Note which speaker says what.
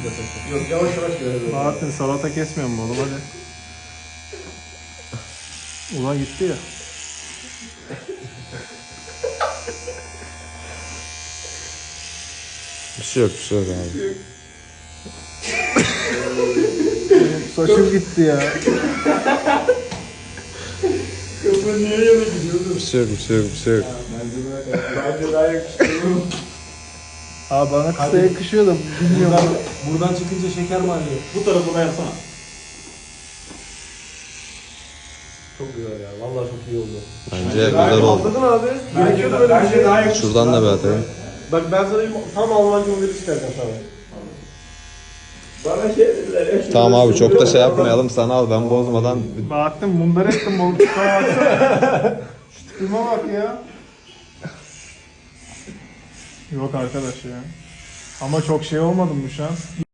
Speaker 1: Yok yavaş yavaş görelim.
Speaker 2: Bahattin salata kesmiyor mu oğlum hadi. Ulan gitti ya.
Speaker 3: Bir şey yok abi.
Speaker 2: Saçım gitti ya.
Speaker 1: Kafa niye yana gidiyordu?
Speaker 3: Bir şey yok.
Speaker 1: Bence daha yakışıklı.
Speaker 2: Abi bana kısa yakışıyor da bilmiyorum.
Speaker 1: Buradan çıkınca şeker mi alıyor? Bu tarafına yapsana. Çok güzel ya. Vallahi çok iyi oldu.
Speaker 3: Bence güzel oldu.
Speaker 1: Atladın abi. Gerekiyordu böyle bir şey. Daha yakışıklı.
Speaker 3: Şuradan da bir atayım.
Speaker 1: Bak ben sana tam Almanca modeli çıkaracağım sana. Bana şey dediler.
Speaker 3: Tamam abi çok da şey yapmayalım. Sana al ben bozmadan.
Speaker 2: Bahattin mundar ettim balık tutmaya baksana. Şu tipime bak ya. Yok arkadaş ya. Ama çok şey olmadı mı şu an?